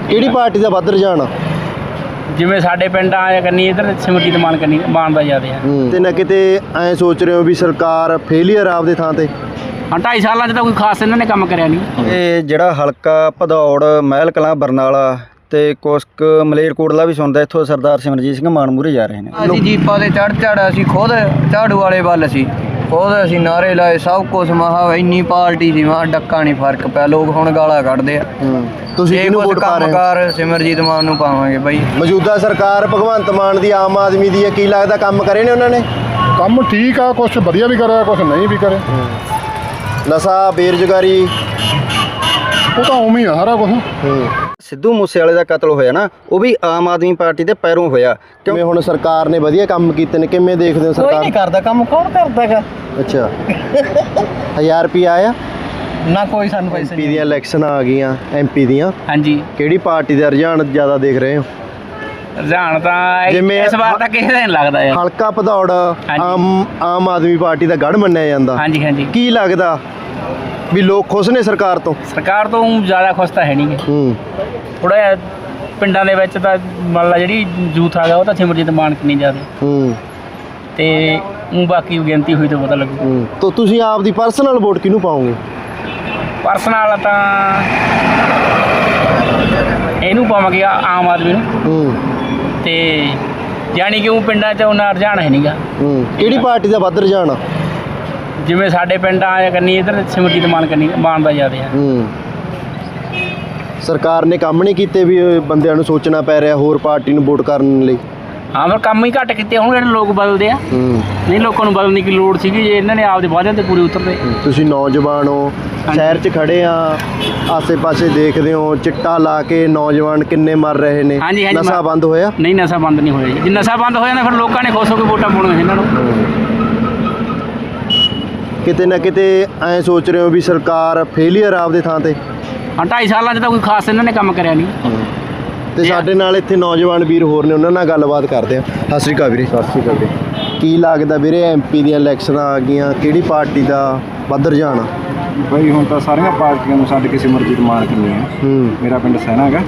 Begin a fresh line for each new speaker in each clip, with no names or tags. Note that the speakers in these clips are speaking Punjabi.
ਕਿਹੜੀ ਪਾਰਟੀ ਦਾ ਵੱਧ ਰੁਝਾਨ ਆ?
ਜਿਵੇਂ ਸਾਡੇ ਪਿੰਡ ਆਇਆ ਕਰਨੀ ਇੱਧਰ ਸਿਮਰਜੀਤ ਮਾਨ ਕਰਨੀ ਮਾਨ ਦਾ ਜ਼ਿਆਦਾ ਹੈ।
ਤੇ ਨਾ ਕਿਤੇ ਐਂ ਸੋਚ ਰਹੇ ਹੋ ਵੀ ਸਰਕਾਰ ਫੇਲੀਅਰ ਆਪਦੇ ਥਾਂ ਤੇ?
ਹਾਂ 2.5 ਸਾਲਾਂ 'ਚ ਤਾਂ ਕੋਈ ਖਾਸ ਇਹਨਾਂ ਨੇ ਕੰਮ ਕਰਿਆ ਨਹੀਂ।
ਇਹ ਜਿਹੜਾ ਹਲਕਾ ਭਦੌੜ ਮਹਿਲ ਕਲਾਂ ਬਰਨਾਲਾ ਤੇ ਕੁਸਕ ਮਲੇਰਕੋਟਲਾ ਵੀ ਸੁਣਦਾ, ਇੱਥੋਂ ਸਰਦਾਰ ਸਿਮਰਜੀਤ ਸਿੰਘ ਮਾਨ ਮੂਹਰੇ ਜਾ ਰਹੇ ਨੇ।
ਅਸੀਂ ਜੀਪਾਂ ਦੇ ਚੜ ਅਸੀਂ ਖੁਦ ਝਾੜੂ ਵਾਲੇ ਵੱਲ ਸੀ, ਖੁਦ ਅਸੀਂ ਨਾਰੇ ਲਾਏ, ਸਭ ਕੁਛ ਮਹਾ ਇੰਨੀ ਪਾਰਟੀ ਸੀ, ਮਹਾ ਡੱਕਾ ਨਹੀਂ ਫਰਕ ਪਿਆ। ਲੋਕ ਹੁਣ ਗਾਲਾਂ ਕੱਢਦੇ ਆ।
ਤੁਸੀਂ ਕਿਹਨੂੰ ਵੋਟ ਪਾ ਰਹੇ ਹੋ?
ਕੰਮਕਾਰ ਸਿਮਰਜੀਤ ਮਾਨ ਨੂੰ ਪਾਵਾਂਗੇ ਬਾਈ।
ਮੌਜੂਦਾ ਸਰਕਾਰ ਭਗਵੰਤ ਮਾਨ ਦੀ ਆਮ ਆਦਮੀ ਦੀ ਹੈ, ਕੀ ਲੱਗਦਾ ਕੰਮ ਕਰੇ ਨੇ ਉਹਨਾਂ ਨੇ?
ਕੰਮ ਠੀਕ ਆ, ਕੁਛ ਵਧੀਆ ਵੀ ਕਰਿਆ, ਕੁਛ ਨਹੀਂ ਵੀ ਕਰੇ।
ਨਸ਼ਾ, ਬੇਰੁਜ਼ਗਾਰੀ,
ਉਹ ਤਾਂ ਉਵੇਂ ਹੀ ਆ ਸਾਰਾ ਕੁਛ।
ਸਿੱਧੂ ਮੂਸੇਵਾਲੇ ਦਾ ਕਤਲ ਹੋਇਆ ਨਾ, ਉਹ ਵੀ ਆਮ ਆਦਮੀ ਪਾਰਟੀ ਦੇ ਪੈਰੋਂ ਹੋਇਆ।
ਕਿਵੇਂ ਹੁਣ ਸਰਕਾਰ ਨੇ ਵਧੀਆ ਕੰਮ ਕੀਤੇ ਨੇ, ਕਿਵੇਂ ਦੇਖਦੇ ਹੋ
ਕੋਈ
ਸਰਕਾਰ?
ਨਹੀਂ ਕਰਦਾ ਕੰਮ, ਕੌਣ ਕਰਦਾਗਾ?
ਅੱਛਾ 1000 ਰੁਪਏ ਆਇਆ?
ਨਾ ਕੋਈ ਸਾਨੂੰ ਪੈਸੇ
ਐਮਪੀ ਦੀਆਂ ਇਲੈਕਸ਼ਨ ਆ ਗਈਆਂ, ਐਮਪੀ ਦੀਆਂ,
ਹਾਂਜੀ
ਕਿਹੜੀ ਪਾਰਟੀ ਦਾ ਰੁਝਾਨ ਜ਼ਿਆਦਾ ਦੇਖ ਰਹੇ ਹੋ?
ਰੁਝਾਨ ਤਾਂ
ਜਿਵੇਂ
ਇਸ ਵਾਰ ਤਾਂ ਕਿਸੇ ਦਾ ਨਹੀਂ ਲੱਗਦਾ ਯਾਰ।
ਹਲਕਾ ਭਦੌੜ ਆਮ ਆਦਮੀ ਪਾਰਟੀ ਦਾ ਗੜ੍ਹ ਮੰਨਿਆ ਜਾਂਦਾ,
ਹਾਂਜੀ ਹਾਂਜੀ।
ਕੀ ਲੱਗਦਾ ਵੀ ਲੋਕ ਖੁਸ਼ ਨੇ ਸਰਕਾਰ ਤੋਂ?
ਸਰਕਾਰ ਤੋਂ ਜ਼ਿਆਦਾ ਖੁਸ਼ ਤਾਂ ਹੈ ਨਹੀਂ। ਥੋੜਾ ਜਿਹਾ ਪਿੰਡਾਂ ਦੇ ਵਿੱਚ ਤਾਂ ਮੰਨ ਲਾ ਜਿਹੜੀ ਯੂਥ ਆ ਗਿਆ ਉਹ ਤਾਂ ਸਿਮਰਜੀਤ ਮਾਨ ਕਿੰਨੀ ਜ਼ਿਆਦਾ ਤੇ ਬਾਕੀ ਗਿਣਤੀ ਹੋਈ ਤਾਂ ਪਤਾ ਲੱਗੂ।
ਤਾਂ ਤੁਸੀਂ ਆਪ ਦੀ ਪਰਸਨਲ ਵੋਟ ਕਿਹਨੂੰ ਪਾਓਗੇ?
ਪਰਸਨਲ ਤਾਂ ਇਹਨੂੰ ਪਾਵਾਂਗੇ ਆਮ ਆਦਮੀ ਨੂੰ। ਤੇ ਜਾਣੀ ਕਿ ਉਹ ਪਿੰਡਾਂ 'ਚ ਉਹਨਾਂ ਰੁਝਾਨ ਹੈ ਨਹੀਂਗਾ।
ਕਿਹੜੀ ਪਾਰਟੀ ਦਾ ਵੱਧ ਰੁਝਾਨ ਆ?
ਜਿਵੇਂ ਸਾਡੇ ਪਿੰਡ ਆਇਆ ਕਰਨੀ ਇੱਧਰ ਸਿਮਰਜੀਤ ਮਾਨ ਕਰਨੀ ਮਾਨ ਦਾ ਜ਼ਿਆਦਾ ਹੈ।
ਸਰਕਾਰ ਨੇ ਕੰਮ ਨਹੀਂ ਕੀਤੇ ਵੀ ਬੰਦਿਆਂ ਨੂੰ ਸੋਚਣਾ ਪੈ ਰਿਹਾ ਹੋਰ ਪਾਰਟੀ ਨੂੰ ਵੋਟ ਕਰਨ ਲਈ?
ਹਾਂ ਫਿਰ ਕੰਮ ਹੀ ਘੱਟ ਕੀਤੇ ਹੁਣ ਜਿਹੜੇ ਲੋਕ ਬਦਲਦੇ ਆ। ਨਹੀਂ ਲੋਕਾਂ ਨੂੰ ਬਦਲਣ ਦੀ ਲੋੜ ਸੀਗੀ ਜੇ ਇਹਨਾਂ ਨੇ ਆਪਦੇ ਵਾਅਦਿਆਂ ਤੇ ਪੂਰੇ ਉਤਰਦੇ।
ਤੁਸੀਂ ਨੌਜਵਾਨ ਹੋ, ਸ਼ਹਿਰ 'ਚ ਖੜੇ ਆ, ਆਸੇ-ਪਾਸੇ ਦੇਖਦੇ ਹੋ ਚਿੱਟਾ ਲਾ ਕੇ ਨੌਜਵਾਨ ਕਿੰਨੇ ਮਰ ਰਹੇ ਨੇ, ਨਸ਼ਾ ਬੰਦ ਹੋਇਆ?
ਨਹੀਂ ਨਸ਼ਾ ਬੰਦ ਨਹੀਂ ਹੋਇਆ ਜੀ। ਜੇ ਨਸ਼ਾ ਬੰਦ ਹੋ ਜਾਂਦਾ ਫਿਰ ਲੋਕਾਂ ਨੇ ਖੁਸ਼ ਹੋ ਕੇ ਵੋਟਾਂ ਪਾਉਣੀਆਂ ਇਹਨਾਂ ਨੂੰ।
ਕਿਤੇ ਨਾ ਕਿਤੇ ਐਂ ਸੋਚ ਰਹੇ ਹੋ ਵੀ ਸਰਕਾਰ ਫੇਲੀਅਰ ਆਪਦੇ ਥਾਂ ਤੇ?
ਹਾਂ 2.5 ਸਾਲਾਂ 'ਚ ਤਾਂ ਕੋਈ ਖਾਸ ਇਹਨਾਂ ਨੇ ਕੰਮ ਕਰਿਆ ਨਹੀਂ।
ਤੇ ਸਾਡੇ ਨਾਲ ਇੱਥੇ ਨੌਜਵਾਨ ਵੀਰ ਹੋਰ ਨੇ, ਉਹਨਾਂ ਨਾਲ ਗੱਲਬਾਤ ਕਰਦੇ ਆ। ਸਤਿ ਸ਼੍ਰੀ ਅਕਾਲ ਵੀਰੇ।
ਸਤਿ ਸ਼੍ਰੀ ਅਕਾਲ ਜੀ।
ਕੀ ਲੱਗਦਾ ਵੀਰੇ ਐਮਪੀ ਦੀਆਂ ਇਲੈਕਸ਼ਨਾਂ ਆ ਗਈਆਂ, ਕਿਹੜੀ ਪਾਰਟੀ ਦਾ ਵੱਧ ਰੁਝਾਨ ਆ?
ਬਈ ਹੁਣ ਤਾਂ ਸਾਰੀਆਂ ਪਾਰਟੀਆਂ ਨੂੰ ਛੱਡ ਕੇ ਸਿਮਰਜੀਤ ਮਾਨ ਕਿੰਨੀ ਆ। ਮੇਰਾ ਪਿੰਡ ਸੈਨਾ ਹੈਗਾ।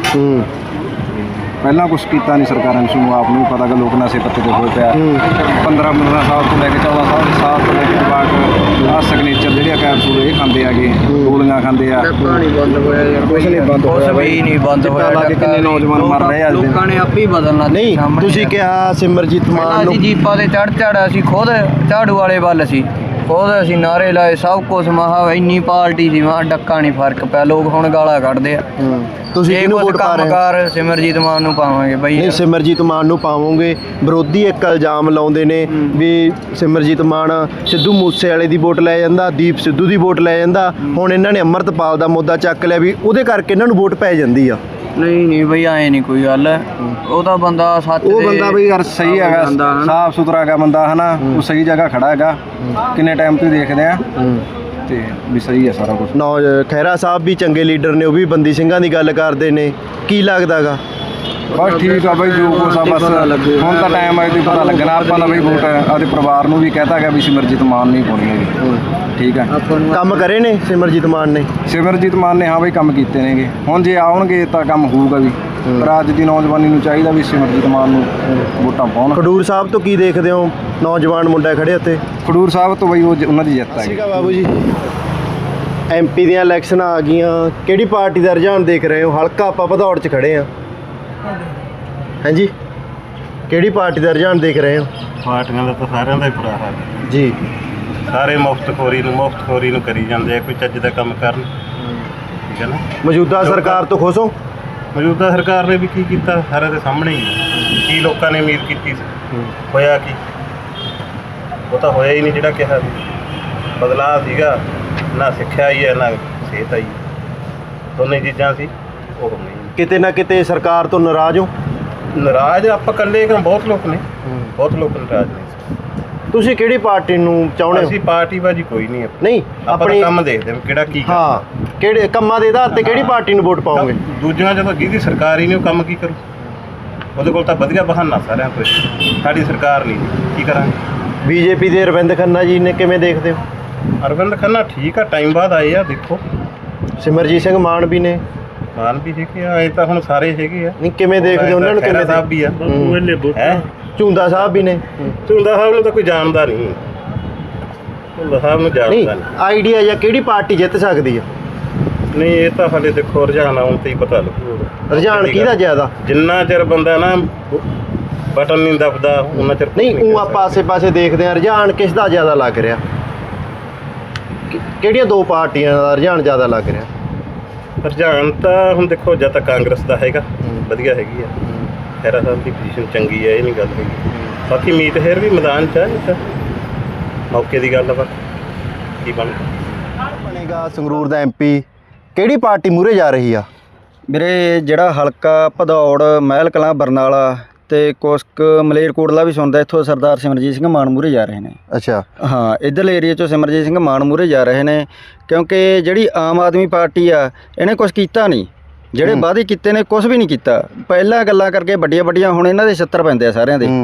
ਪਹਿਲਾਂ ਕੁਛ ਕੀਤਾ ਨਹੀਂ ਸਰਕਾਰਾਂ ਨੇ, ਸਾਨੂੰ ਆਪ ਨੂੰ ਵੀ ਪਤਾ ਕਿ ਲੋਕ ਨਸ਼ੇ ਪੱਤੇ ਤੇ ਹੋਏ ਪਿਆ। 15 ਸਾਲ ਤੋਂ ਲੈ ਕੇ 14 ਸਾਲ ਤੋਂ ਲੈ ਕੇ ਜਵਾਕ ਆਹ ਸਿਗਨੇਚਰ ਜਿਹੜੇ ਆ ਕੈਪਸੂਲ ਇਹ ਖਾਂਦੇ ਆਗੇ, ਗੋਲੀਆਂ ਖਾਂਦੇ ਆ।
ਪਾਣੀ ਬੰਦ ਹੋਇਆ ਯਾਰ,
ਕੁਛ ਨਹੀਂ ਬੰਦ ਹੋਇਆ
ਵੀ ਨਹੀਂ ਬੰਦ ਹੋਇਆ।
ਲਾ ਕੇ ਕਿੰਨੇ ਨੌਜਵਾਨ ਮਰ ਰਹੇ ਆ।
ਲੋਕਾਂ ਨੇ ਆਪੇ ਹੀ ਬਦਲਣਾ।
ਨਹੀਂ ਤੁਸੀਂ ਕਿਹਾ ਸਿਮਰਜੀਤ ਮਾਨ ਨੂੰ।
ਅਸੀਂ ਜੀਪਾਂ ਦੇ ਚੜ ਅਸੀਂ ਖੁਦ ਝਾੜੂ ਵਾਲੇ ਵੱਲ ਸੀ, ਖੁਦ ਅਸੀਂ ਨਾਰੇ ਲਾਏ, ਸਭ ਕੁਛ ਮਹਾ ਇੰਨੀ ਪਾਰਟੀ ਸੀ, ਮਹਾ ਡੱਕਾ ਨਹੀਂ ਫਰਕ ਪਿਆ। ਲੋਕ ਹੁਣ ਗਾਲਾਂ ਕੱਢਦੇ ਆ।
ਤੁਸੀਂ ਕਿਹਨੂੰ ਵੋਟ ਪਾ ਰਹੇ ਹੋ?
ਕੰਮਕਾਰ ਸਿਮਰਜੀਤ ਮਾਨ ਨੂੰ ਪਾਵਾਂਗੇ ਬਾਈ।
ਨਹੀਂ ਸਿਮਰਜੀਤ ਮਾਨ ਨੂੰ ਪਾਵੋਗੇ। ਵਿਰੋਧੀ ਇੱਕ ਇਲਜ਼ਾਮ ਲਾਉਂਦੇ ਨੇ ਵੀ ਸਿਮਰਜੀਤ ਮਾਨ ਸਿੱਧੂ ਮੂਸੇਵਾਲੇ ਦੀ ਵੋਟ ਲੈ ਜਾਂਦਾ, ਦੀਪ ਸਿੱਧੂ ਦੀ ਵੋਟ ਲੈ ਜਾਂਦਾ। ਹੁਣ ਇਹਨਾਂ ਨੇ ਅੰਮ੍ਰਿਤਪਾਲ ਦਾ ਮੁੱਦਾ ਚੱਕ ਲਿਆ ਵੀ ਉਹਦੇ ਕਰਕੇ ਇਹਨਾਂ ਨੂੰ ਵੋਟ ਪੈ ਜਾਂਦੀ ਆ।
ਨਹੀਂ ਬਈ ਐ ਨਹੀਂ ਕੋਈ ਗੱਲ। ਉਹ ਤਾਂ ਬੰਦਾ ਸੱਚ
ਉਹ ਬੰਦਾ ਬਈ ਯਾਰ ਸਹੀ ਹੈਗਾ, ਸਾਫ ਸੁਥਰਾ ਹੈਗਾ ਬੰਦਾ ਹਨਾ, ਉਹ ਸਹੀ ਜਗ੍ਹਾ ਖੜਾ ਹੈਗਾ। ਕਿੰਨੇ ਟਾਈਮ ਤੋਂ ਦੇਖਦੇ ਆ ਤੇ ਵੀ ਸਹੀ ਹੈ ਸਾਰਾ ਕੁਝ।
ਖਹਿਰਾ ਸਾਹਿਬ ਵੀ ਚੰਗੇ ਲੀਡਰ ਨੇ, ਉਹ ਵੀ ਬੰਦੀ ਸਿੰਘਾਂ ਦੀ ਗੱਲ ਕਰਦੇ ਨੇ, ਕੀ ਲੱਗਦਾਗਾ?
ਬਸ ਠੀਕ ਆ ਬਈ, ਜੋ ਕੁਛ ਆ ਬਸ ਹੁਣ ਤਾਂ ਟਾਈਮ ਆਏ ਤੇ ਪਤਾ ਲੱਗਣਾ। ਆਪਾਂ ਤਾਂ ਬਈ ਵੋਟ ਆਪਦੇ ਪਰਿਵਾਰ ਨੂੰ ਵੀ ਕਹਿਤਾ ਗਿਆ ਵੀ ਸਿਮਰਜੀਤ ਮਾਨ ਨਹੀਂ ਪਾਉਣੀ ਹੈਗੀ। ਠੀਕ ਹੈ,
ਕੰਮ ਕਰੇ ਨੇ ਸਿਮਰਜੀਤ ਮਾਨ ਨੇ?
ਸਿਮਰਜੀਤ ਮਾਨ ਨੇ ਹਾਂ ਬਈ ਕੰਮ ਕੀਤੇ ਨੇਗੇ। ਹੁਣ ਜੇ ਆਉਣਗੇ ਤਾਂ ਕੰਮ ਹੋਊਗਾ ਵੀ, ਪਰ ਅੱਜ ਦੀ ਨੌਜਵਾਨੀ ਨੂੰ ਚਾਹੀਦਾ ਵੀ ਸਿਮਰਜੀਤ ਮਾਨ ਨੂੰ ਵੋਟਾਂ ਪਾਉਣ।
ਖਡੂਰ ਸਾਹਿਬ ਤੋਂ ਕੀ ਦੇਖਦੇ ਹੋ? ਨੌਜਵਾਨ ਮੁੰਡਾ ਖੜੇ ਉੱਥੇ
ਖਡੂਰ ਸਾਹਿਬ ਤੋਂ ਬਈ ਉਹਨਾਂ ਦੀ ਜਿੱਤ ਹੈਗੀ।
ਬਾਬੂ ਜੀ ਐਮਪੀ ਦੀਆਂ ਇਲੈਕਸ਼ਨਾਂ ਆ ਗਈਆਂ, ਕਿਹੜੀ ਪਾਰਟੀ ਦਾ ਰੁਝਾਨ ਦੇਖ ਰਹੇ ਹੋ? ਹਲਕਾ ਆਪਾਂ ਭਦੌੜ 'ਚ ਖੜੇ ਆ। ਹਾਂਜੀ ਕਿਹੜੀ ਪਾਰਟੀ ਦਾ ਰੁਝਾਨ ਦੇਖ ਰਹੇ ਹੋ?
ਪਾਰਟੀਆਂ ਦਾ ਤਾਂ ਸਾਰਿਆਂ ਦਾ ਹੀ ਬੁਰਾ ਹਾਲ
ਜੀ।
ਸਾਰੇ ਮੁਫਤਖੋਰੀ ਨੂੰ ਕਰੀ ਜਾਂਦੇ ਆ, ਕੋਈ ਚੱਜ ਦਾ ਕੰਮ ਕਰਨ। ਠੀਕ ਹੈ ਨਾ।
ਮੌਜੂਦਾ ਸਰਕਾਰ ਤੋਂ ਖੁਸ਼ ਹੋ?
ਮੌਜੂਦਾ ਸਰਕਾਰ ਨੇ ਵੀ ਕੀ ਕੀਤਾ ਸਾਰੇ ਦੇ ਸਾਹਮਣੇ ਹੀ ਹੈ। ਕੀ ਲੋਕਾਂ ਨੇ ਉਮੀਦ ਕੀਤੀ ਸੀ, ਹੋਇਆ ਕੀ? ਉਹ ਤਾਂ ਹੋਇਆ ਹੀ ਨਹੀਂ ਜਿਹੜਾ ਕਿਹਾ ਸੀ। ਬਦਲਾਅ ਸੀਗਾ, ਨਾ ਸਿੱਖਿਆ ਹੀ ਹੈ ਨਾ ਸਿਹਤ ਆਈ, ਦੋਨੇ ਚੀਜ਼ਾਂ ਸੀ, ਉਹ ਨਹੀਂ।
ਕਿਤੇ ਨਾ ਕਿਤੇ ਸਰਕਾਰ ਤੋਂ ਨਾਰਾਜ਼ ਹੋ?
ਨਾਰਾਜ਼ ਆਪਾਂ ਇਕੱਲੇ ਕਿਉਂ, ਬਹੁਤ ਲੋਕ ਨੇ, ਬਹੁਤ ਲੋਕ ਨਾਰਾਜ਼ ਨੇ।
ਤੁਸੀਂ ਕਿਹੜੀ ਪਾਰਟੀ ਨੂੰ ਚਾਹੁੰਦੇ ਹੋ?
ਅਸੀਂ ਪਾਰਟੀ ਬਾਜੀ ਕੋਈ ਨਹੀਂ,
ਨਹੀਂ
ਆਪਣੀ ਕੰਮ ਦੇਖਦੇ ਹਾਂ ਕਿਹੜਾ ਕੀ।
ਹਾਂ ਕਿਹੜੇ ਕੰਮਾਂ ਦੇ ਆਧਾਰ ਤੇ ਕਿਹੜੀ ਪਾਰਟੀ ਨੂੰ ਵੋਟ ਪਾਓਗੇ?
ਦੂਜਿਆਂ ਜਦੋਂ ਜਿਹਦੀ ਸਰਕਾਰ ਹੀ ਨਹੀਂ ਉਹ ਕੰਮ ਕੀ ਕਰੂ? ਉਹਦੇ ਕੋਲ ਤਾਂ ਵਧੀਆ ਬਹਾਨਾ ਸਾਰਿਆਂ ਕੋਲ, ਸਾਡੀ ਸਰਕਾਰ ਨਹੀਂ, ਕੀ ਕਰਾਂਗੇ?
ਬੀਜੇਪੀ ਦੇ ਅਰਵਿੰਦ ਖੰਨਾ ਜੀ ਨੇ ਕਿਵੇਂ ਦੇਖਦੇ ਹੋ?
ਅਰਵਿੰਦ ਖੰਨਾ ਠੀਕ ਆ, ਟਾਈਮ ਬਾਅਦ ਆਏ ਆ। ਦੇਖੋ
ਸਿਮਰਜੀਤ ਸਿੰਘ ਮਾਨ ਵੀ ਨੇ,
ਮਾਨ ਵੀ ਹੈਗੇ ਆ, ਇਹ ਤਾਂ ਹੁਣ ਸਾਰੇ ਹੈਗੇ ਆ।
ਨਹੀਂ ਕਿਵੇਂ ਦੇਖਦੇ ਹੋ ਉਹਨਾਂ ਨੂੰ,
ਖਹਿਰਾ
ਕਿਵੇਂ
ਸਾਹਿਬ ਵੀ ਆ ਹੈ,
ਝੁੰਦਾ ਸਾਹਿਬ ਵੀ ਨੇ।
ਝੁੰਦਾ ਸਾਹਿਬ ਨੂੰ ਤਾਂ ਕੋਈ ਜਾਣਦਾ ਨਹੀਂ, ਝੁੰਦਾ ਸਾਹਿਬ ਨੂੰ
ਨਹੀਂ
ਜਾਣਦਾ ਨਹੀਂ।
ਆਈਡੀਆ ਜਾਂ ਕਿਹੜੀ ਪਾਰਟੀ ਜਿੱਤ ਸਕਦੀ ਆ?
ਨਹੀਂ ਇਹ ਤਾਂ ਹਾਲੇ ਦੇਖੋ ਰੁਝਾਨ ਆਉਣ ਤੇ ਹੀ ਪਤਾ ਲੱਗੂਗਾ।
ਰੁਝਾਨ ਕਿਹਦਾ ਜ਼ਿਆਦਾ?
ਜਿੰਨਾ ਚਿਰ ਬੰਦਾ ਨਾ ਬਟਨ ਨਹੀਂ ਦਬਦਾ ਉਹਨਾਂ ਚਿਰ ਕੁਛ
ਨਹੀਂ
ਕਹਿ
ਉਹ ਆਪਾਂ ਆਸੇ-ਪਾਸੇ ਦੇਖਦੇ ਆ ਰੁਝਾਨ ਕਿਸ ਦਾ ਜ਼ਿਆਦਾ ਲੱਗ ਰਿਹਾ? ਕਿਹੜੀਆਂ ਦੋ ਪਾਰਟੀਆਂ ਦਾ ਰੁਝਾਨ ਜ਼ਿਆਦਾ ਲੱਗ ਰਿਹਾ?
ਸਕਦਾ। ਰੁਝਾਨ ਤਾਂ ਹੁਣ ਦੇਖੋ ਜਦ ਤੱਕ ਕਾਂਗਰਸ ਦਾ ਹੈਗਾ ਵਧੀਆ ਹੈਗੀ ਆ, ਖਹਿਰਾ ਸਾਹਿਬ ਦੀ ਪੋਜੀਸ਼ਨ ਚੰਗੀ ਹੈ, ਇਹ ਨਹੀਂ ਗੱਲ ਹੈਗੀ। ਬਾਕੀ ਮੀਤ ਹੇਰ ਵੀ ਮੈਦਾਨ 'ਚ ਆ, ਇਹ ਤਾਂ ਮੌਕੇ ਦੀ ਗੱਲ ਆ, ਬਸ ਕੀ
ਬਣੇਗਾ ਸੰਗਰੂਰ ਦਾ ਐਮਪੀ? ਕਿਹੜੀ ਪਾਰਟੀ ਮੂਹਰੇ ਜਾ ਰਹੀ ਆ?
ਵੀਰੇ ਜਿਹੜਾ ਹਲਕਾ ਭਦੌੜ, ਮਹਿਲ ਕਲਾਂ, ਬਰਨਾਲਾ ਤੇ ਕੁਸਕ ਮਲੇਰਕੋਟਲਾ ਵੀ ਸੁਣਦਾ, ਇੱਥੋਂ ਸਰਦਾਰ ਸਿਮਰਜੀਤ ਸਿੰਘ ਮਾਨ ਮੂਹਰੇ ਜਾ ਰਹੇ ਨੇ।
ਅੱਛਾ।
ਹਾਂ, ਇੱਧਰਲੇ ਏਰੀਏ 'ਚੋਂ ਸਿਮਰਜੀਤ ਸਿੰਘ ਮਾਨ ਮੂਹਰੇ ਜਾ ਰਹੇ ਨੇ, ਕਿਉਂਕਿ ਜਿਹੜੀ ਆਮ ਆਦਮੀ ਪਾਰਟੀ ਆ ਇਹਨੇ ਕੁਛ ਕੀਤਾ ਨਹੀਂ, ਜਿਹੜੇ ਵਾਅਦੇ ਕੀਤੇ ਨੇ ਕੁਛ ਵੀ ਨਹੀਂ ਕੀਤਾ। ਪਹਿਲਾਂ ਗੱਲਾਂ ਕਰਕੇ ਵੱਡੀਆਂ ਵੱਡੀਆਂ, ਹੁਣ ਇਹਨਾਂ ਦੇ 76 ਪੈਂਦੇ ਆ ਸਾਰਿਆਂ ਦੇ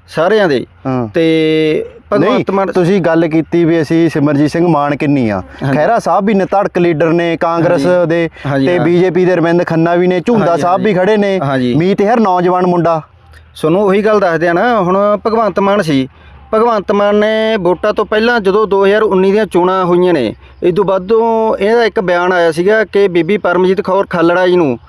ਤੇ ਭਗਵੰਤ ਮਾਨ।
ਤੁਸੀਂ ਗੱਲ ਕੀਤੀ ਵੀ ਅਸੀਂ ਸਿਮਰਜੀਤ ਸਿੰਘ ਮਾਨ ਕਿੰਨੀ ਆ, ਖਹਿਰਾ ਸਾਹਿਬ ਵੀ ਨੇ ਧੜਕ ਲੀਡਰ ਨੇ ਕਾਂਗਰਸ ਦੇ, ਤੇ ਬੀਜੇਪੀ ਦੇ ਰਵਿੰਦਰ ਖੰਨਾ ਵੀ ਨੇ, ਝੁੰਦਾ ਸਾਹਿਬ ਵੀ ਖੜੇ ਨੇ, ਮੀਤ ਹੇਰ ਨੌਜਵਾਨ ਮੁੰਡਾ।
ਤੁਹਾਨੂੰ ਉਹੀ ਗੱਲ ਦੱਸਦੇ ਆ ਨਾ, ਹੁਣ ਭਗਵੰਤ ਮਾਨ ਸੀ, ਭਗਵੰਤ ਮਾਨ ਨੇ ਵੋਟਾਂ ਤੋਂ ਪਹਿਲਾਂ ਜਦੋਂ 2019 ਦੀਆਂ ਚੋਣਾਂ ਹੋਈਆਂ ਨੇ, ਇਸ ਤੋਂ ਬਾਅਦੋਂ ਇਹਦਾ ਇੱਕ ਬਿਆਨ ਆਇਆ ਸੀਗਾ ਕਿ ਬੀਬੀ ਪਰਮਜੀਤ ਕੌਰ ਖਾਲੜਾ ਜੀ ਨੂੰ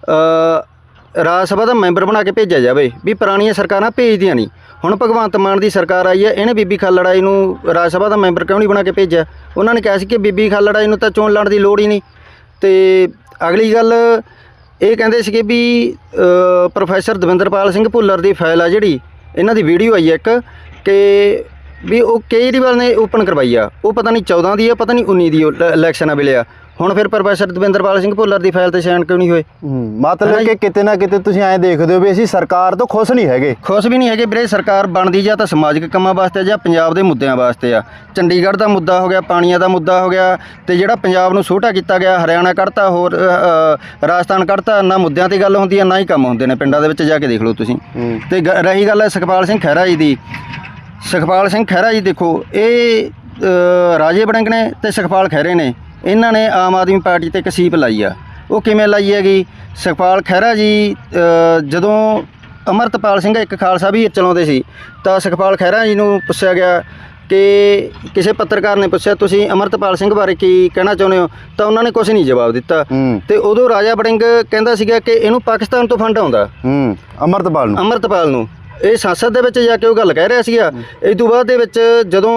ਰਾਜ ਸਭਾ ਦਾ ਮੈਂਬਰ ਬਣਾ ਕੇ ਭੇਜਿਆ ਜਾਵੇ, ਵੀ ਪੁਰਾਣੀਆਂ ਸਰਕਾਰਾਂ ਭੇਜਦੀਆਂ ਨਹੀਂ। ਹੁਣ ਭਗਵੰਤ ਮਾਨ ਦੀ ਸਰਕਾਰ ਆਈ ਹੈ, ਇਹਨੇ ਬੀਬੀ ਖਾਲੜਾ ਜੀ ਨੂੰ ਰਾਜ ਸਭਾ ਦਾ ਮੈਂਬਰ ਕਿਉਂ ਨਹੀਂ ਬਣਾ ਕੇ ਭੇਜਿਆ? ਉਹਨਾਂ ਨੇ ਕਿਹਾ ਸੀ ਕਿ ਬੀਬੀ ਖਾਲੜਾ ਜੀ ਨੂੰ ਤਾਂ ਚੋਣ ਲੜਨ ਦੀ ਲੋੜ ਹੀ ਨਹੀਂ। ਤੇ ਅਗਲੀ ਗੱਲ ਇਹ ਕਹਿੰਦੇ ਸੀਗੇ ਵੀ ਪ੍ਰੋਫੈਸਰ ਦਵਿੰਦਰਪਾਲ ਸਿੰਘ ਭੁੱਲਰ ਦੀ ਫਾਈਲ ਆ, ਜਿਹੜੀ ਇਹਨਾਂ ਦੀ ਵੀਡੀਓ ਆਈ ਹੈ ਇੱਕ, ਕਿ ਵੀ ਉਹ ਕੇਜਰੀਵਾਲ ਨੇ ਓਪਨ ਕਰਵਾਈ ਆ, ਉਹ ਪਤਾ ਨਹੀਂ 14 ਦੀ ਆ, ਪਤਾ ਨਹੀਂ 19 ਦੀ ਇਲੈਕਸ਼ਨਾਂ ਵੇਲੇ ਆ। ਹੁਣ ਫਿਰ ਪ੍ਰੋਫੈਸਰ ਦਵਿੰਦਰਪਾਲ ਸਿੰਘ ਭੁੱਲਰ ਦੀ ਫਾਈਲ ਤੇ ਸਾਈਨ ਕਿਉਂ ਨਹੀਂ ਹੋਏ?
ਮਤਲਬ ਕਿ ਕਿਤੇ ਨਾ ਕਿਤੇ ਤੁਸੀਂ ਐਂ ਦੇਖਦੇ ਹੋ ਵੀ ਅਸੀਂ ਸਰਕਾਰ ਤੋਂ ਖੁਸ਼ ਨਹੀਂ ਹੈਗੇ।
ਖੁਸ਼ ਵੀ ਨਹੀਂ ਹੈਗੇ ਵੀਰੇ। ਸਰਕਾਰ ਬਣਦੀ ਜਾਂ ਤਾਂ ਸਮਾਜਿਕ ਕੰਮਾਂ ਵਾਸਤੇ ਜਾਂ ਪੰਜਾਬ ਦੇ ਮੁੱਦਿਆਂ ਵਾਸਤੇ ਆ। ਚੰਡੀਗੜ੍ਹ ਦਾ ਮੁੱਦਾ ਹੋ ਗਿਆ, ਪਾਣੀਆਂ ਦਾ ਮੁੱਦਾ ਹੋ ਗਿਆ, ਤੇ ਜਿਹੜਾ ਪੰਜਾਬ ਨੂੰ ਛੋਟਾ ਕੀਤਾ ਗਿਆ, ਹਰਿਆਣਾ ਕੱਢਤਾ, ਹੋਰ ਰਾਜਸਥਾਨ ਕੱਢਤਾ, ਨਾ ਮੁੱਦਿਆਂ ਤੇ ਗੱਲ ਹੁੰਦੀ ਹੈ, ਨਾ ਹੀ ਕੰਮ ਹੁੰਦੇ ਨੇ। ਪਿੰਡਾਂ ਦੇ ਵਿੱਚ ਜਾ ਕੇ ਦੇਖ ਲਓ ਤੁਸੀਂ। ਤੇ ਰਹੀ ਗੱਲ ਹੈ ਸੁਖਪਾਲ ਸਿੰਘ ਖਹਿਰਾ ਜੀ ਦੀ, ਸੁਖਪਾਲ ਸਿੰਘ ਖਹਿਰਾ ਜੀ ਦੇਖੋ, ਇਹ ਰਾਜੇ ਵੜਿੰਗ ਨੇ ਤੇ ਸੁਖਪਾਲ ਖਹਿਰੇ ਨੇ, ਇਹਨਾਂ ਨੇ ਆਮ ਆਦਮੀ ਪਾਰਟੀ ਤੇ ਇੱਕ ਸੀਪ ਲਾਈ ਆ। ਉਹ ਕਿਵੇਂ ਲਾਈ ਹੈਗੀ? ਸੁਖਪਾਲ ਖਹਿਰਾ ਜੀ ਜਦੋਂ ਅਮਰਤਪਾਲ ਸਿੰਘ ਇੱਕ ਖਾਲਸਾ ਵੀ ਚਲਾਉਂਦੇ ਸੀ, ਤਾਂ ਸੁਖਪਾਲ ਖਹਿਰਾ ਜੀ ਨੂੰ ਪੁੱਛਿਆ ਗਿਆ ਕਿ ਕਿਸੇ ਪੱਤਰਕਾਰ ਨੇ ਪੁੱਛਿਆ ਤੁਸੀਂ ਅਮਰਤਪਾਲ ਸਿੰਘ ਬਾਰੇ ਕੀ ਕਹਿਣਾ ਚਾਹੁੰਦੇ ਹੋ, ਤਾਂ ਉਹਨਾਂ ਨੇ ਕੁਝ ਨਹੀਂ ਜਵਾਬ ਦਿੱਤਾ। ਤੇ ਉਦੋਂ ਰਾਜਾ ਵੜਿੰਗ ਕਹਿੰਦਾ ਸੀਗਾ ਕਿ ਇਹਨੂੰ ਪਾਕਿਸਤਾਨ ਤੋਂ ਫੰਡ ਆਉਂਦਾ, ਅਮਰਤਪਾਲ ਨੂੰ। ਇਹ ਸੰਸਦ ਦੇ ਵਿੱਚ ਜਾ ਕੇ ਉਹ ਗੱਲ ਕਹਿ ਰਿਹਾ ਸੀਗਾ। ਇਸ ਤੋਂ ਬਾਅਦ ਦੇ ਵਿੱਚ ਜਦੋਂ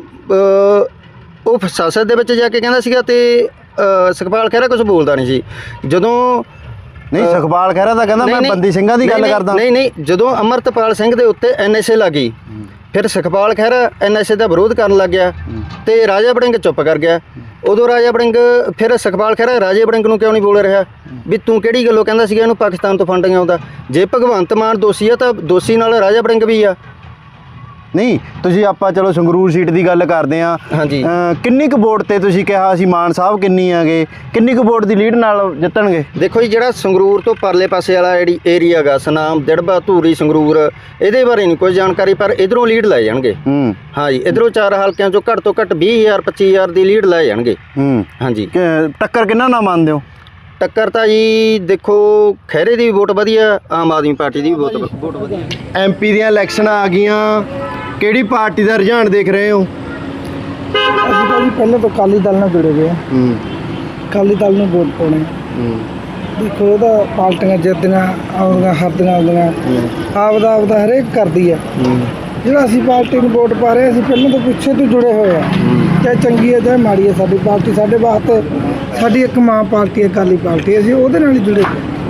ਉਹ ਸੰਸਦ ਦੇ ਵਿੱਚ ਜਾ ਕੇ ਕਹਿੰਦਾ ਸੀਗਾ, ਤੇ ਸੁਖਪਾਲ ਖਹਿਰਾ ਕੁਝ ਬੋਲਦਾ ਨਹੀਂ ਸੀ। ਜਦੋਂ
ਨਹੀਂ ਸੁਖਪਾਲ ਖਹਿਰਾ ਤਾਂ ਕਹਿੰਦਾ ਮੈਂ ਬੰਦੀ ਸਿੰਘਾਂ ਦੀ ਗੱਲ ਕਰਦਾ।
ਨਹੀਂ, ਜਦੋਂ ਅਮਰਤਪਾਲ ਸਿੰਘ ਦੇ ਉੱਤੇ NSA ਲੱਗੀ, ਫਿਰ ਸੁਖਪਾਲ ਖਹਿਰਾ NSA ਦਾ ਵਿਰੋਧ ਕਰਨ ਲੱਗ ਗਿਆ, ਤੇ ਰਾਜਾ ਵੜਿੰਗ ਚੁੱਪ ਕਰ ਗਿਆ। ਉਦੋਂ ਰਾਜਾ ਵੜਿੰਗ, ਫਿਰ ਸੁਖਪਾਲ ਖਹਿਰਾ ਰਾਜੇ ਵੜਿੰਗ ਨੂੰ ਕਿਉਂ ਨਹੀਂ ਬੋਲ ਰਿਹਾ ਵੀ ਤੂੰ ਕਿਹੜੀ ਗੱਲੋਂ ਕਹਿੰਦਾ ਸੀਗਾ ਇਹਨੂੰ ਪਾਕਿਸਤਾਨ ਤੋਂ ਫੰਡ ਆਉਂਦਾ? ਜੇ ਭਗਵੰਤ ਮਾਨ ਦੋਸ਼ੀ ਆ ਤਾਂ ਦੋਸ਼ੀ ਨਾਲ ਰਾਜਾ ਵੜਿੰਗ ਵੀ ਆ।
ਨਹੀਂ ਤੁਸੀਂ ਆਪਾਂ ਚਲੋ ਸੰਗਰੂਰ ਸੀਟ ਦੀ ਗੱਲ ਕਰਦੇ ਆ।
ਹਾਂਜੀ।
ਕਿੰਨੀ ਕੁ ਵੋਟ ਤੇ ਤੁਸੀਂ ਕਿਹਾ ਸੀ ਮਾਨ ਸਾਹਿਬ ਕਿੰਨੀ ਆਗੇ, ਕਿੰਨੀ ਕੁ ਵੋਟ ਦੀ ਲੀਡ ਨਾਲ ਜਿੱਤਣਗੇ?
ਦੇਖੋ ਜੀ, ਜਿਹੜਾ ਸੰਗਰੂਰ ਤੋਂ ਪਰਲੇ ਪਾਸੇ ਵਾਲਾ ਜਿਹੜੀ ਏਰੀਆ ਗਾ, ਸਨਾਮ, ਦਿੜਬਾ, ਧੂਰੀ, ਸੰਗਰੂਰ, ਇਹਦੇ ਬਾਰੇ ਨਹੀਂ ਕੋਈ ਜਾਣਕਾਰੀ, ਪਰ ਇਧਰੋਂ ਲੀਡ ਲੈ ਜਾਣਗੇ। ਹਾਂਜੀ, ਇਧਰੋਂ 4 ਹਲਕਿਆਂ ਚੋਂ ਘੱਟ ਤੋਂ ਘੱਟ 20,000 25,000 ਦੀ ਲੀਡ ਲੈ ਜਾਣਗੇ। ਹਾਂਜੀ।
ਟੱਕਰ ਕਿੰਨਾ ਨਾ ਮੰਨਦੇ ਹੋ?
ਟੱਕਰ ਤਾਂ ਜੀ ਦੇਖੋ, ਖਹਿਰੇ ਦੀ ਵੀ ਵੋਟ ਵਧੀਆ, ਆਮ ਆਦਮੀ ਪਾਰਟੀ ਦੀ ਵੀ ਵੋਟ ਵਧੀਆ।
MP ਦੀਆਂ ਇਲੈਕਸ਼ਨਾਂ ਆ ਗਈਆਂ, ਕਿਹੜੀ ਪਾਰਟੀ ਦਾ ਰੁਝਾਨ ਦੇਖ ਰਹੇ ਹੋ?
ਅਸੀਂ ਤਾਂ ਜੀ ਪਹਿਲਾਂ ਤੋਂ ਅਕਾਲੀ ਦਲ ਨਾਲ ਜੁੜੇ ਹੋਏ ਆ। ਅਕਾਲੀ ਦਲ ਨੂੰ ਵੋਟ ਪਾਉਣੇ। ਦੇਖੋ ਇਹਦਾ ਪਾਰਟੀਆਂ ਜਿੱਤਦੀਆਂ ਆਉਂਦੀਆਂ, ਹਾਰਦੀਆਂ ਆਉਂਦੀਆਂ, ਆਪਦਾ ਹਰੇਕ ਕਰਦੀ ਆ। ਜਿਹੜਾ ਅਸੀਂ ਪਾਰਟੀ ਨੂੰ ਵੋਟ ਪਾ ਰਹੇ, ਅਸੀਂ ਪਹਿਲਾਂ ਤੋਂ ਪਿੱਛੇ ਤੋਂ ਜੁੜੇ ਹੋਏ ਆ, ਚਾਹੇ ਚੰਗੀ ਹੈ ਚਾਹੇ ਮਾੜੀ ਹੈ। ਸਾਡੀ ਪਾਰਟੀ ਸਾਡੇ ਵਾਸਤੇ ਸਾਡੀ ਇੱਕ ਮਾਂ ਪਾਰਟੀ ਹੈ, ਅਕਾਲੀ ਪਾਰਟੀ, ਅਸੀਂ ਉਹਦੇ ਨਾਲ ਹੀ ਜੁੜੇ।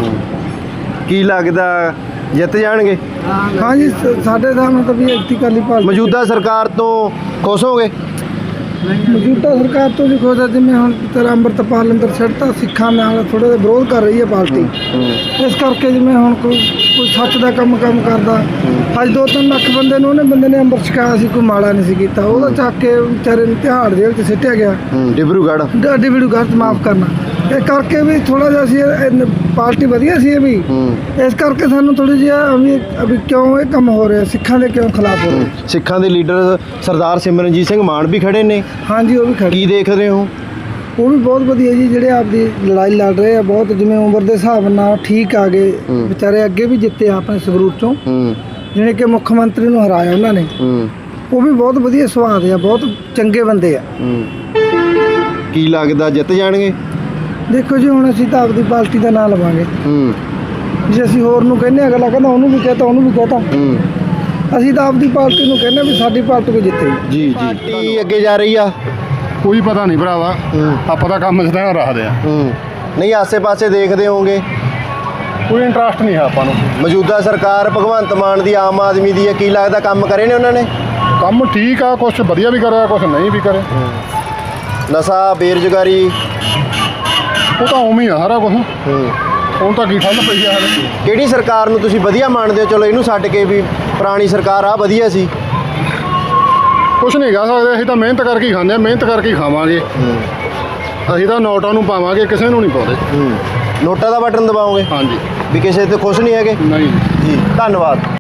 ਕੀ ਲੱਗਦਾ ਜਿੱਤ ਜਾਣਗੇ?
ਹਾਂਜੀ, ਸਾਡੇ ਹਿਸਾਬ ਨਾਲ ਤਾਂ ਵੀ ਅਕਾਲੀ ਪਾਰਟੀ।
ਮੌਜੂਦਾ ਸਰਕਾਰ ਤੋਂ ਖੁਸ਼ ਹੋਗੇ?
ਮੌਜੂਦਾ ਸਰਕਾਰ ਤੋਂ ਵੀ ਖੁਸ਼ ਹੈ। ਜਿਵੇਂ ਹੁਣ ਤੇਰਾ ਅੰਮ੍ਰਿਤਪਾਲ ਅੰਦਰ ਛੱਡਤਾ, ਸਿੱਖਾਂ ਨਾਲ ਥੋੜ੍ਹਾ ਜਿਹਾ ਵਿਰੋਧ ਕਰ ਰਹੀ ਹੈ ਪਾਰਟੀ, ਇਸ ਕਰਕੇ ਜਿਵੇਂ ਹੁਣ ਕੋਈ ਸੱਚ ਦਾ ਕੰਮ ਕਰਦਾ। ਅੱਜ 2-3 ਲੱਖ ਬੰਦੇ ਨੂੰ ਉਹਨੇ ਅੰਮ੍ਰਿਤ ਛਕਾਇਆ ਸੀ, ਕੋਈ ਮਾੜਾ ਨਹੀਂ ਸੀ ਕੀਤਾ। ਉਹਦਾ ਚੱਕ ਕੇ ਵਿਚਾਰੇ ਨੂੰ ਤਿਹਾੜ ਜੇਲ੍ਹ 'ਚ ਸਿੱਟਿਆ ਗਿਆ, ਡਿਬਰੂਗੜ੍ਹ ਮਾਫ ਕਰਨਾ। ਇਹ ਕਰਕੇ ਵੀ ਥੋੜ੍ਹਾ ਜਿਹਾ ਸੀ, ਪਾਰਟੀ ਵਧੀਆ ਸੀ ਇਹ ਵੀ, ਇਸ ਕਰਕੇ ਸਾਨੂੰ ਥੋੜ੍ਹੀ ਜਿਹੀ ਵੀ ਕਿਉਂ ਇਹ ਕੰਮ ਹੋ ਰਿਹਾ, ਸਿੱਖਾਂ ਦੇ ਕਿਉਂ ਖਿਲਾਫ ਹੋ ਰਿਹਾ।
ਸਿੱਖਾਂ ਦੇ ਲੀਡਰ ਸਰਦਾਰ ਸਿਮਰਨਜੀਤ ਸਿੰਘ ਮਾਨ ਵੀ ਖੜੇ ਨੇ।
ਹਾਂਜੀ, ਉਹ ਵੀ ਖੜੇ।
ਕੀ ਦੇਖ ਰਹੇ ਹੋ?
ਉਹ ਵੀ ਬਹੁਤ ਵਧੀਆ ਜੀ, ਜਿਹੜੇ ਆਪਦੀ ਲੜਾਈ ਲੜ ਰਹੇ ਆ, ਬਹੁਤ ਜਿਵੇਂ ਉਮਰ ਦੇ ਹਿਸਾਬ ਨਾਲ ਠੀਕ ਆ ਗਏ ਵਿਚਾਰੇ, ਅੱਗੇ ਵੀ ਜਿੱਤੇ ਆ ਆਪਣੇ ਸੰਗਰੂਰ ਚੋਂ, ਜਿਹੜੇ ਕਿ ਮੁੱਖ ਮੰਤਰੀ ਨੂੰ ਹਰਾਇਆ ਉਹਨਾਂ ਨੇ। ਉਹ ਵੀ ਬਹੁਤ ਵਧੀਆ ਸੁਭਾਅ ਦੇ ਆ, ਬਹੁਤ ਚੰਗੇ ਬੰਦੇ ਆ।
ਕੀ ਲੱਗਦਾ ਜਿੱਤ ਜਾਣਗੇ?
ਦੇਖੋ ਜੀ, ਹੁਣ ਅਸੀਂ ਤਾਂ ਆਪਦੀ ਪਾਰਟੀ ਦਾ ਨਾਂ ਲਵਾਂਗੇ। ਜੇ ਅਸੀਂ ਹੋਰ ਨੂੰ ਕਹਿੰਦੇ, ਅਗਲਾ ਕਹਿੰਦਾ ਉਹਨੂੰ ਵੀ ਕਹਤਾ, ਉਹਨੂੰ ਵੀ ਕਹਤਾ। ਅਸੀਂ ਤਾਂ ਆਪਦੀ ਪਾਰਟੀ ਨੂੰ ਕਹਿੰਦੇ ਵੀ ਸਾਡੀ ਪਾਰਟੀ ਕੋ ਜਿੱਤੇ।
ਜੀ ਜੀ। ਕੀ ਅੱਗੇ ਜਾ ਰਹੀ ਆ?
ਕੋਈ ਪਤਾ ਨਹੀਂ ਭਰਾਵਾ, ਆਪਾਂ ਤਾਂ ਕੰਮ ਜਿੱਦਾਂ ਰੱਖਦੇ ਆ।
ਨਹੀਂ, ਆਸੇ-ਪਾਸੇ ਦੇਖਦੇ ਹੋਵੋਗੇ।
ਕੋਈ ਇੰਟਰਸਟ ਨਹੀਂ ਹੈ ਆਪਾਂ ਨੂੰ।
ਮੌਜੂਦਾ ਸਰਕਾਰ ਭਗਵੰਤ ਮਾਨ ਦੀ, ਆਮ ਆਦਮੀ ਦੀ ਹੈ, ਕੀ ਲੱਗਦਾ ਕੰਮ ਕਰੇ ਨੇ ਉਹਨਾਂ ਨੇ?
ਕੰਮ ਠੀਕ ਆ, ਕੁਝ ਵਧੀਆ ਵੀ ਕਰਿਆ, ਕੁਝ ਨਹੀਂ ਵੀ ਕਰੇ।
ਨਸ਼ਾ, ਬੇਰੁਜ਼ਗਾਰੀ,
ਉਹ ਤਾਂ ਉਵੇਂ ਹੀ ਆ ਸਾਰਾ ਕੁਝ। ਹੁਣ ਤਾਂ ਕੀ ਠੱਲ ਪਈ ਆ ਹਲੇ।
ਕਿਹੜੀ ਸਰਕਾਰ ਨੂੰ ਤੁਸੀਂ ਵਧੀਆ ਮੰਨਦੇ ਹੋ? ਚਲੋ ਇਹਨੂੰ ਛੱਡ ਕੇ ਵੀ ਪੁਰਾਣੀ ਸਰਕਾਰ ਆ ਵਧੀਆ ਸੀ।
ਕੁਝ ਨਹੀਂ ਕਹਿ ਸਕਦੇ, ਅਸੀਂ ਤਾਂ ਮਿਹਨਤ ਕਰਕੇ ਹੀ ਖਾਂਦੇ ਆ, ਮਿਹਨਤ ਕਰਕੇ ਹੀ ਖਾਵਾਂਗੇ। ਅਸੀਂ ਤਾਂ ਨੋਟਾਂ ਨੂੰ ਪਾਵਾਂਗੇ, ਕਿਸੇ ਨੂੰ ਨਹੀਂ ਪਾਉਂਦੇ।
ਨੋਟਾਂ ਦਾ ਬਟਨ ਦਬਾਓਗੇ?
ਹਾਂਜੀ।
ਵੀ ਕਿਸੇ ਤੇ ਖੁਸ਼ ਨਹੀਂ ਹੈਗੇ?
ਨਹੀਂ
ਜੀ, ਧੰਨਵਾਦ।